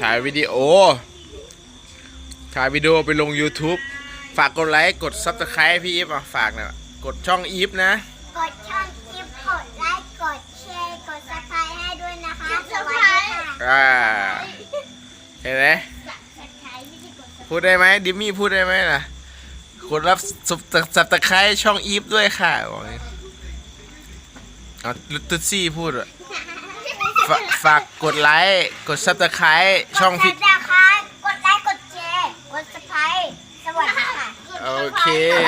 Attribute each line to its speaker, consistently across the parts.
Speaker 1: ถ่ายวิดีโอไปลง YouTube ฝากกดไลค์กด Subscribe พี่อีฟฝากนะกดช่องอีฟนะ
Speaker 2: กดช่องอีฟกดไลค์กดแชร์กด Subscribe ให้ด้วยนะคะสวัสดีค่ะ
Speaker 1: เห็นไหมพูดได้ไหมดิมมี่พูดได้ไหมล่ะกดรับSubscribeช่องอีฟด้วยค่ะบอกนี้ลุตซี่พูดฝากกดไลค์กด Subscribe ช่องพี่
Speaker 2: กดไลค์กดแชร์กด Subscribe สวัสดีค่ะ
Speaker 1: โอเค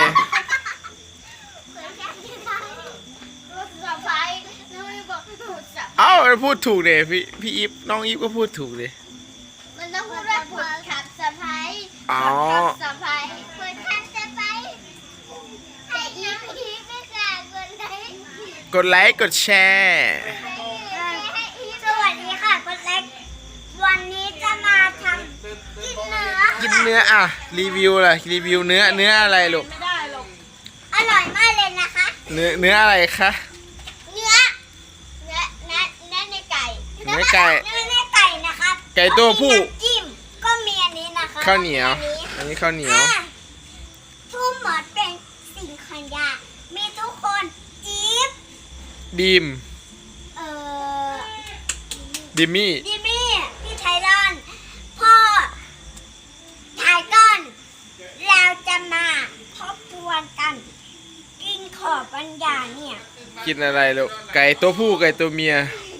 Speaker 1: เอ้าพูดถูกเลยพี่อีฟน้องอีฟก็พูดถูกเลย
Speaker 2: มันต้องพูดว่ากดขับสะพายสะพายกดขับสะพายแต่อีฟไม่กล้ากดไลค์
Speaker 1: กดแชร์
Speaker 2: สวัสดีค่ะกดไลค์วันนี้จะมาทำกินเนื้อ
Speaker 1: อ่ะรีวิวล่ะรีวิวเนื้ออะไรลูก
Speaker 2: อร่อยมากเลยนะคะ
Speaker 1: เนื้ออะไรคะ
Speaker 2: เนื้อในไก่
Speaker 1: เนื้อไก่
Speaker 2: นะครับ
Speaker 1: ไก่ตัวผู้
Speaker 2: จิ้มก็มีอันนี้นะคะ
Speaker 1: ข้าวเหนียวอันนี้ข้าวเหนียว
Speaker 2: ทุกหมดเป็นสิ่งขยะมีทุกคนอีฟ
Speaker 1: ดีมดิมมี่
Speaker 2: พี่ไทรอนพ่อไทก้อนเราจะมาทบทวนกันกินขอบปัญญาเนี่ย
Speaker 1: กินอะไรลูกไก่ตัวผู้ไก่ตัวเมีย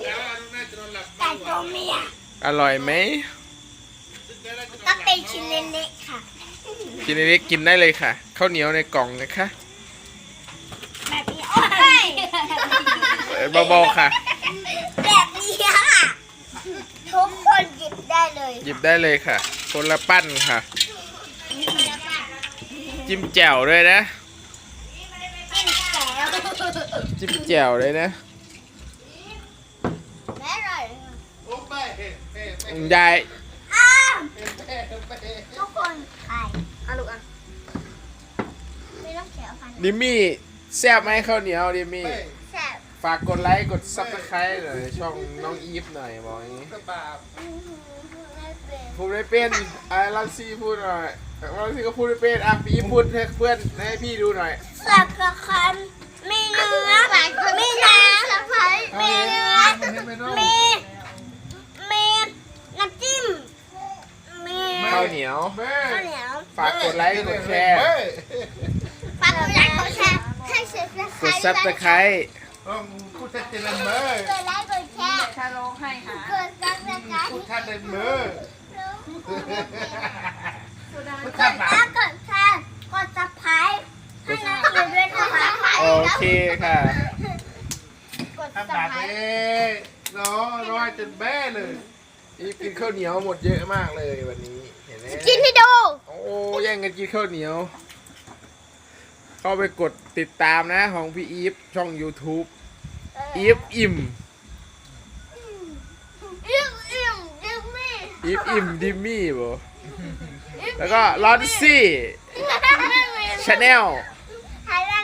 Speaker 1: อร่อยไหม
Speaker 2: ก็เป็นชิ้นเล็กๆค่ะ
Speaker 1: ชิ้นเล็กกินได้เลยค่ะข้าวเหนียวในกล่องนะคะ
Speaker 2: แบบนี้โอ้ย
Speaker 1: เบาๆค่ะ
Speaker 2: แบบนี้ค่ะทุกคนหยิบได้
Speaker 1: เลยค่ะคนละปั้นค่ะจิ้มแจ่วด้วยนะจิ้มแจ่วเลยนะยาย
Speaker 2: ทุกคนใครลูกไม่ต้องแขวฟัน
Speaker 1: ดิมมี่แซ่บไหมข้าวเหนียวดิมมี่
Speaker 2: แซ่บ
Speaker 1: ฝากกดไลค์กดซับสไครต์หน่อยช่องน้องอีฟหน่อยบอกอย่างนี้พูดไม่เป็นลันซี่พูดหน่อยลันซี่ก็พูดไม่เป็นพี่พูดให้เพื่อนให้พี่ดูหน่อย
Speaker 2: สับกระคันมีเนื้อมีน้ำมีเนื้อมีน้ำจิ้มมี
Speaker 1: ข้าวเหนียวฝากกดไลค์กดแชร์กดซับสไครต์
Speaker 3: พูดทัดเจริญเมื่อก
Speaker 2: ดไลค์กดแชร์
Speaker 4: ชาโลให้ค่ะ
Speaker 2: กดซับสไครต์
Speaker 3: พูดทัดเจริญเมื่อ
Speaker 2: กดไลค์กดแชร์กดซับสไครต์ให้น้องอยู่ด้วยนะคะ
Speaker 1: โอเคค่ะ
Speaker 2: ทำแบบ
Speaker 3: นี้ร้อยจนแบ้เลย
Speaker 1: อีฟกินข้าวเหนียวหมดเยอะมากเลยวันนี้เห็นไหม
Speaker 2: กินให้ดู
Speaker 1: โอ้แย่งกันกินข้าวเหนียวเข้าไปกดติดตามนะของพี่อีฟช่อง YouTube อีฟอิ่มดิมมี่บ่แล้วก็ลอนซี่ชาแนล
Speaker 2: ไทยรัง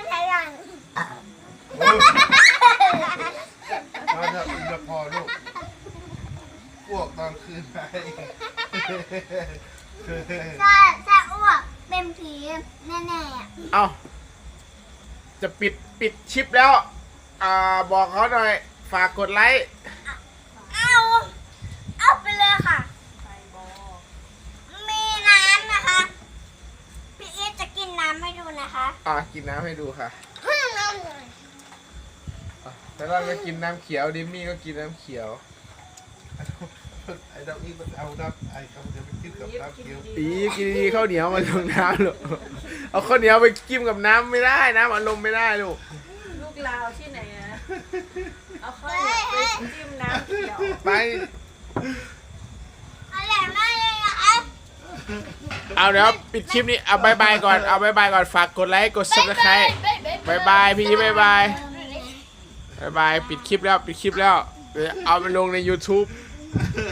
Speaker 3: เราจะอุ่นจะพอลูกพวกตอนคืนไป
Speaker 2: ถ้าอ้วกเป็นผีแน่
Speaker 1: ๆเอาจะปิดชิปแล้วบอกเขาหน่อยฝากกดไลค์
Speaker 2: เอาไปเลยค่ะมีน้ำนะคะพี่อีทจะกินน้ำให้ดูนะคะ
Speaker 1: กินน้ำให้ดูค่ะแต่เราจะกินน้ำเขียวดิมมี่ก็กินน้ำเขียว
Speaker 3: ไอ้ดอกนี้มันเอาน้ำไอ้เขาจะไปกินกับน้ำเขียว
Speaker 1: กินดีข้าวเหนียวมาลงน้ำหรอเอาข้าวเหนียวไปจิ้มกับน้ำไม่ได้น้ำอารมณ์ไม่ได้ลูก
Speaker 4: ลาวที่ไหนอะเอาข้าวเหนียวไปจิ้มน้ำเขียว
Speaker 1: ไป
Speaker 2: อร่อยมากเลยนะคะ
Speaker 1: เอาเดี๋ยวปิดคลิปนี้เอาบายบายก่อนฝากกดไลค์กดซับสไครต์บายบายพี่บายบายปิดคลิปแล้วเดี๋ยวเอาไปลงใน YouTube